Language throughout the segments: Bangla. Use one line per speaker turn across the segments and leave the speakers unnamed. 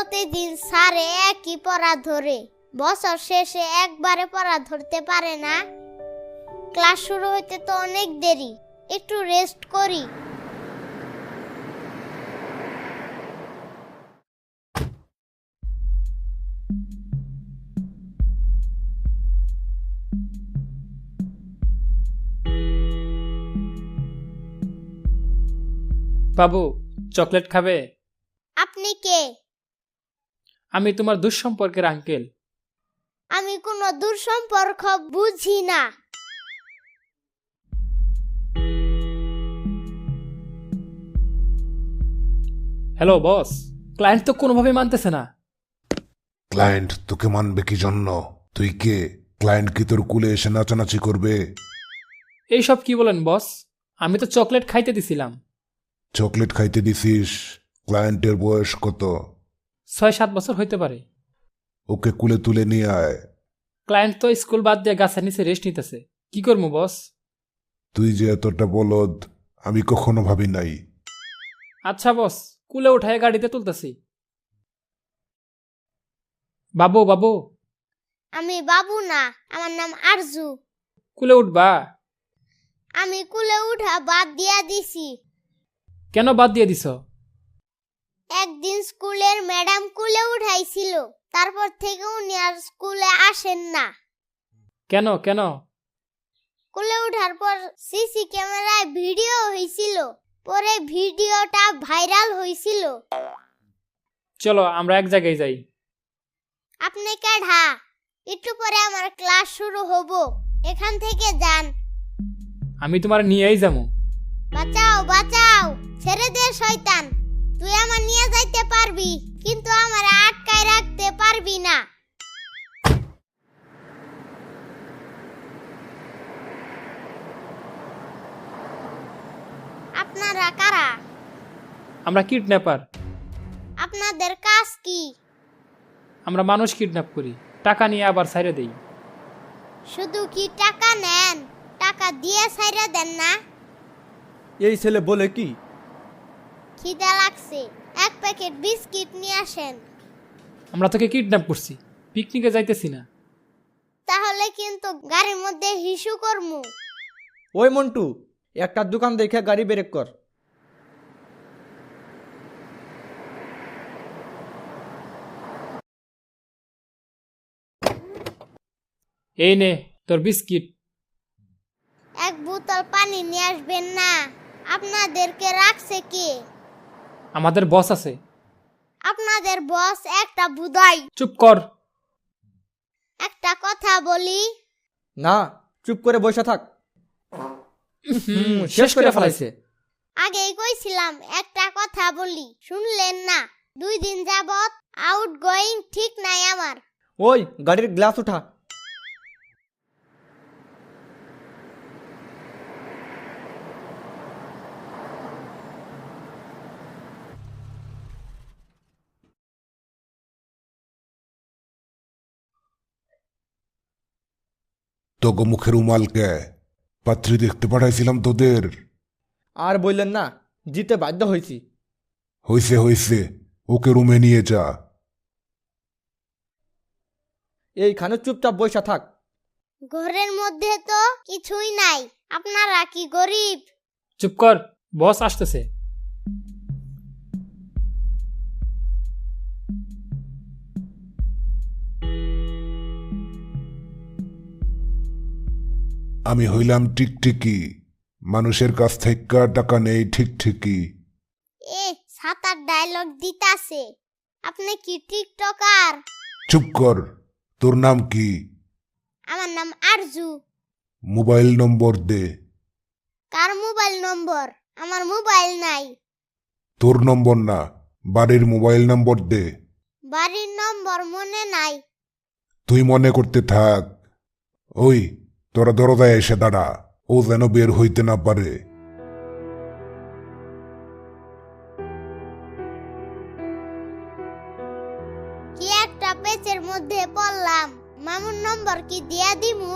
প্রতিদিন স্যারে একই পড়া ধরে, বছর শেষে একবারে পড়া ধরতে পারে না। ক্লাস শুরু হইতে তো অনেক দেরি, একটু রেস্ট করি।
বাবু, চকলেট খাবে?
আপনি কে?
আমি তোমার দুঃসম্পর্কের আঙ্কেল।
আমি কোনো দূরসম্পর্ক বুঝি না।
হ্যালো বস, ক্লায়েন্ট তো কোনোভাবে মানতেছে না।
ক্লায়েন্ট তোকে মানবে কি জন্য? তুই কে? ক্লায়েন্ট কি তোর কুলে এসে নাচানাচি করবে?
এইসব কি বলেন বস? আমি তো চকলেট খাইতে দিছিলাম।
চকলেট খাইতে দিছিস? ক্লায়েন্টের বয়স কত?
6-7 বছর হইতে পারে।
ওকে কুলে তুলে নিয়ে আয়।
ক্লায়েন্ট তো স্কুল বাদ দিয়ে গাছের নিচে রেস্ট নিতেছে, কি করবো বস?
তুই যে এতটা বলদ আমি কখনো ভাবি নাই।
আচ্ছা বস, কুলে উঠায় গাড়িতে তুলতেছি। বাবু বাবু,
আমি বাবু না, আমার নাম আরজু।
কুলে উঠবা?
আমি কুলে উঠা বাদ দিয়া দিছি।
কেন বাদ দিয়ে দিছ?
একদিন স্কুলের ম্যাডাম কুলে উঠাইছিল, তারপর থেকে উনি আর স্কুলে আসেন না।
কেন কেন?
কুলে উঠার পর সিসি ক্যামেরায় ভিডিও হয়েছিল, পরে ভিডিওটা ভাইরাল হয়েছিল।
চলো আমরা এক জায়গায় যাই।
আপনি কেডা? একটু পরে আমার ক্লাস শুরু হব, এখান থেকে যান।
আমি তোমার নিয়েই যাবো।
বাঁচাও বাঁচাও, ছেড়ে দে শয়তান। তুই আমার নিয়ে যাইতে পারবি, কিন্তু আমার আটকায় রাখতে পারবি না। আপনারা কারা?
আমরা কিডন্যাপার।
আপনাদের কাজ কি?
আমরা মানুষ কিডন্যাপ করি, টাকা নিয়ে আবার ছাইরে দেই।
শুধু কি টাকা নেন? টাকা দিয়ে ছাইরা দেন না?
এই ছেলে বলে কি?
খিদা লাগছে, এক প্যাকেট বিস্কিট নিয়ে আসেন।
আমরা তোকে কিডন্যাপ করছি, পিকনিকে যাইতেছি না।
তাহলে কিন্তু গাড়ির মধ্যে হিসু করমু।
ওই মন্টু, একটা দোকান দেখে গাড়ি ব্রেক কর।
এই নে তোর বিস্কিট।
এক বোতল পানি নিয়ে আসবেন না? আপনাদেরকে রাখছে কে?
আমাদের বস আছে।
আপনাদের বস একটা বুদাই।
চুপ কর।
একটা কথা বলি,
না, চুপ করে বসে থাক।
শেষ করে ফেলাইছে।
আগেই কইছিলাম একটা কথা বলি, শুনলেন না? 2 দিন যাবত আউট গোয়িং ঠিক নাই আমার।
ওই গাড়ির গ্লাস উঠা।
তোকে মুখের উমালকে পাত্রী দেখতে পাঠাইছিলাম তোদের।
আর বললেন না, জিতে বাধ্য হয়েছি।
হইছে হইছে, ওকে রুমে নিয়ে যা।
এইখানে চুপচাপ বসে থাক।
ঘরের মধ্যে তো কিছুই নাই, আপনারা কি গরিব?
চুপ কর, বস আসতেছে।
আমি হইলাম টিকটিকি, মানুষের কাছ থেকে টাকা নেই ঠিক ঠিকই।
এ সাতার ডায়লগ দিতাছে। আপনি কি টিকটকার?
চুপ কর, তোর নাম কি?
আমার নাম আরজু।
মোবাইল নম্বর দে।
কার মোবাইল নম্বর? আমার মোবাইল নাই।
তোর নম্বর না, বাড়ির মোবাইল নম্বর দে।
বাড়ির নম্বর মনে নাই।
তুই মনে করতে থাক। ওই তোরা দরজায় এসে দাঁড়া, ও যেন বের হইতে না পারে।
কি একটা পেচের মধ্যে পড়লাম। মামুর নম্বর কি দিয়া দিমু?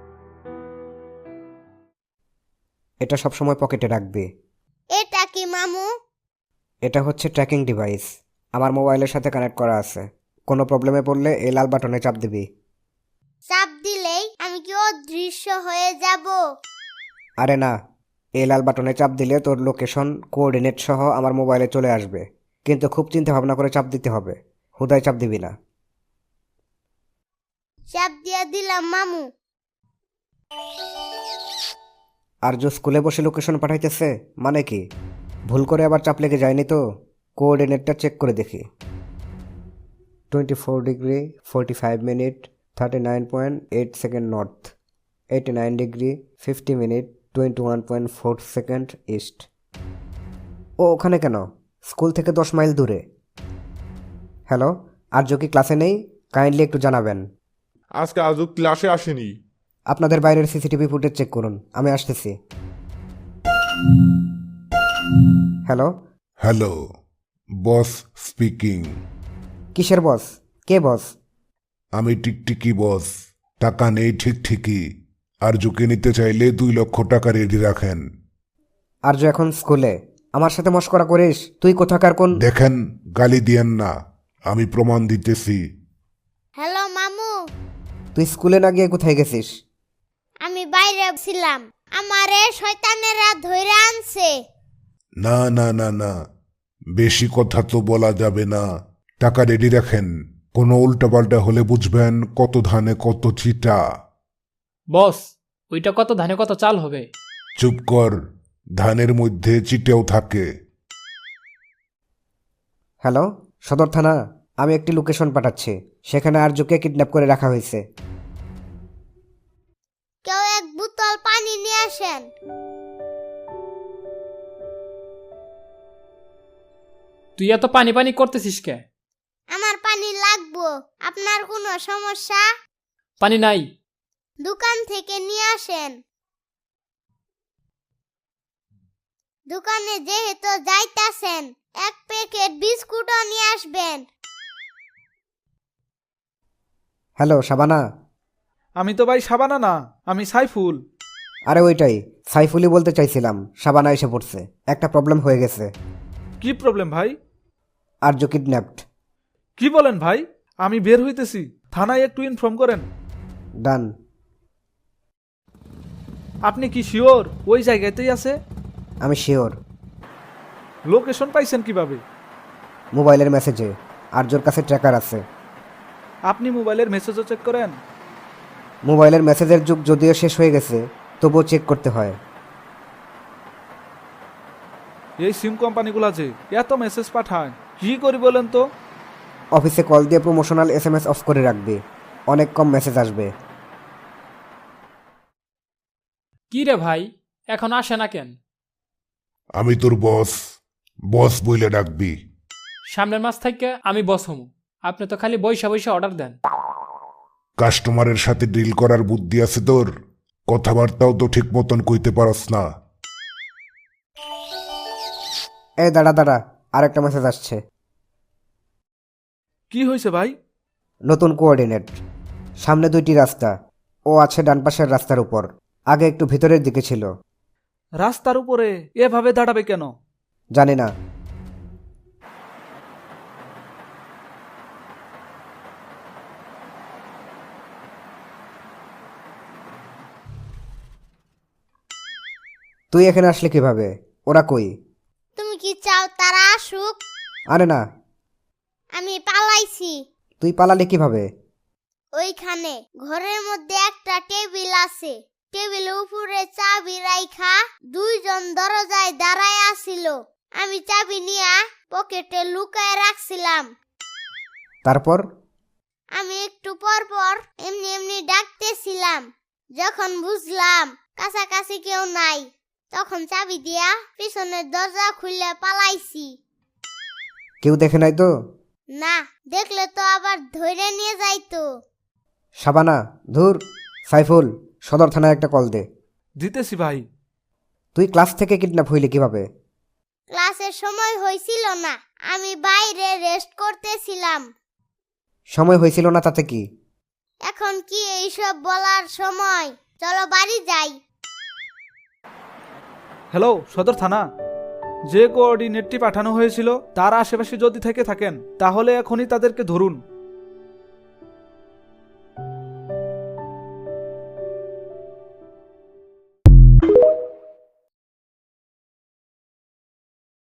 এটা সবসময় পকেটে রাখবে।
এটা কি মামু?
এটা হচ্ছে ট্র্যাকিং ডিভাইস। আমার মোবাইলের সাথে কানেক্ট করা আছে। কোনো প্রবলেমে পড়লে এই লাল বাটনে চাপ দিবি।
চাপ দিলেই আমি কি অদৃশ্য হয়ে যাব?
আরে না, এই লাল বাটনে চাপ দিলে তোর লোকেশন কোঅর্ডিনেট সহ আমার মোবাইলে চলে আসবে, কিন্তু খুব চিন্তা ভাবনা করে চাপ দিতে হবে, হুদায় চাপ দিবি না।
চাপ দিয়া দিলাম মামু।
আর যে স্কুলে বসে লোকেশন পাঠাইতেছে মানে কি? ভুল করে আবার চাপ লেগে যায়নি তো? কোঅর্ডিনেটটা চেক করে দেখি। 24 degree 45 minute 39.8 second north, 89 degree 50 minute 21.4 second east. ও ওখানে কেন? স্কুল থেকে 10 মাইল দূরে। হ্যালো, আর্য কি ক্লাসে নেই? কাইন্ডলি একটু জানাবেন।
আজকে আজও ক্লাসে আসেনি।
আপনাদের বাইরের সিসিটিভি ফুটেজ চেক করুন, আমি আসতেছি। Hello,
hello, boss speaking.
কিসের বস? কে বস?
আমি টিকটিকি বস। টাকা নেই ঠিক ঠিকই। আরজুকে নিতে চাইলে 2 লক্ষ টাকা রেডি রাখেন।
আর্য এখন স্কুলে। আমার সাথে মশকরা করিস? তুই কোথাকার কোন?
দেখেন, গালি দিয়েন না, আমি প্রমাণ দিতেছি।
হ্যালো মামু,
তুই স্কুলে না গিয়ে কোথায় গেছিস?
আমি বাইরে ছিলাম, আমারে শয়তানেরা ধইরা আনছে।
না না না না, বেশি কথা তো বলা যাবে না। টাকা রেডি রাখেন, কোনো উল্টাপাল্টা হলে বুঝবেন কত ধানে কত চিটা।
বস, ওইটা কত ধানে কত চাল হবে?
চুপ কর, ধানের মধ্যে চিটেও থাকে।
হ্যালো, সদর থানা। আমি একটি লোকেশন পাঠাচ্ছি, সেখানে আর্যকে কিডন্যাপ করে রাখা হয়েছে।
কেউ এক বোতল পানি নিয়ে আসেন।
তুই এত পানি পানি করতেছিস কে?
আমার পানি লাগবো। আপনার কোনো সমস্যা?
পানি নাই।
দোকান থেকে নিয়ে আসেন। দোকানে যেহেতু যাইতাছেন, 1 প্যাকেট বিস্কুটও নিয়ে আসবেন।
হ্যালো শাবানা।
আমি তো ভাই সাবানা না, আমি সাইফুল।
আরে ওইটাই, সাইফুলি বলতে চাইছিলাম। শাবানা এসে পড়ছে, একটা প্রবলেম হয়ে গেছে।
কি প্রবলেম ভাই?
আর্য কিডন্যাপড।
কি বলেন ভাই? আমি বের হইতেছি, থানায় একটু ইনফর্ম করেন।
ডান।
আপনি কি শিওর ওই জায়গাতেই আছে?
আমি শিওর।
লোকেশন পাইছেন কিভাবে?
মোবাইলের মেসেজে। আর্যর কাছে ট্র্যাকার আছে।
আপনি মোবাইলের মেসেজও চেক করেন?
মোবাইলের মেসেজের যুগ যদিও শেষ হয়ে গেছে, তবুও চেক করতে হয়।
এই সিম কোম্পানিগুলো যে এত মেসেজ পাঠায়, কি করি বলেন তো?
অফিসে কল দিয়ে প্রমোশনাল SMS অফ করে রাখবি, অনেক কম মেসেজ আসবে।
কি রে ভাই, এখন আসে না কেন?
আমি তোর বস, বস বইলে ডাকবি।
সামনের মাস থেকে আমি বস হমু। আপনি তো খালি বৈশা বৈশা অর্ডার দেন।
কাস্টমারের সাথে ডিল করার বুদ্ধি আছে তোর? কথাবার্তাও তো ঠিক মতন কইতে পারস না।
এই দাঁড়া দাঁড়া, আরেকটা মেসেজ আসছে।
কি হয়েছে ভাই?
নতুন কোঅর্ডিনেট। সামনে 2টি রাস্তা, ও আছে ডান পাশের রাস্তার উপর, আগে একটু ভিতরের দিকে ছিল।
রাস্তার উপরে এভাবে দাঁড়াবে কেন?
জানি না। তুই এখানে আসলে কিভাবে? ওরা কই?
তুমি কি চাও তারা আসুক?
আরে না।
আমি পালাইছি।
তুই পালালি কিভাবে?
ওইখানে ঘরের মধ্যে একটা টেবিল আছে। টেবিলের উপরে চাবি রাইখা 2 জন দরজায় দাঁড়ায় আছিল। আমি চাবি নিয়া পকেটে লুকায় রাখছিলাম।
তারপর?
আমি একটু পর পর এমনি এমনি ডাকতেছিলাম। যখন বুঝলাম কাছাকাছি কেউ নাই, তখন চাবি দিয়া পিছনের দরজা খুলে পালাইছি।
কেউ দেখে নাই তো?
না, দেখলে তো আবার ধরে নিয়ে যাইতো।
শাবানা, ধুর। সাইফুল, সদর থানায় একটা কল দে।
দিতেছি ভাই।
তুই ক্লাস থেকে কিডন্যাপ হইলি কিভাবে?
ক্লাসের সময় হয়েছিল না, আমি বাইরে রেস্ট করতেছিলাম।
সময় হয়েছিল না তাতে কি?
এখন কি এইসব বলার সময়? চলো বাড়ি যাই।
হ্যালো, সদর থানা। যে কোঅর্ডিনেটটি পাঠানো হয়েছিল তার আশেপাশে যদি থেকে থাকেন তাহলে এখনই তাদেরকে ধরুন।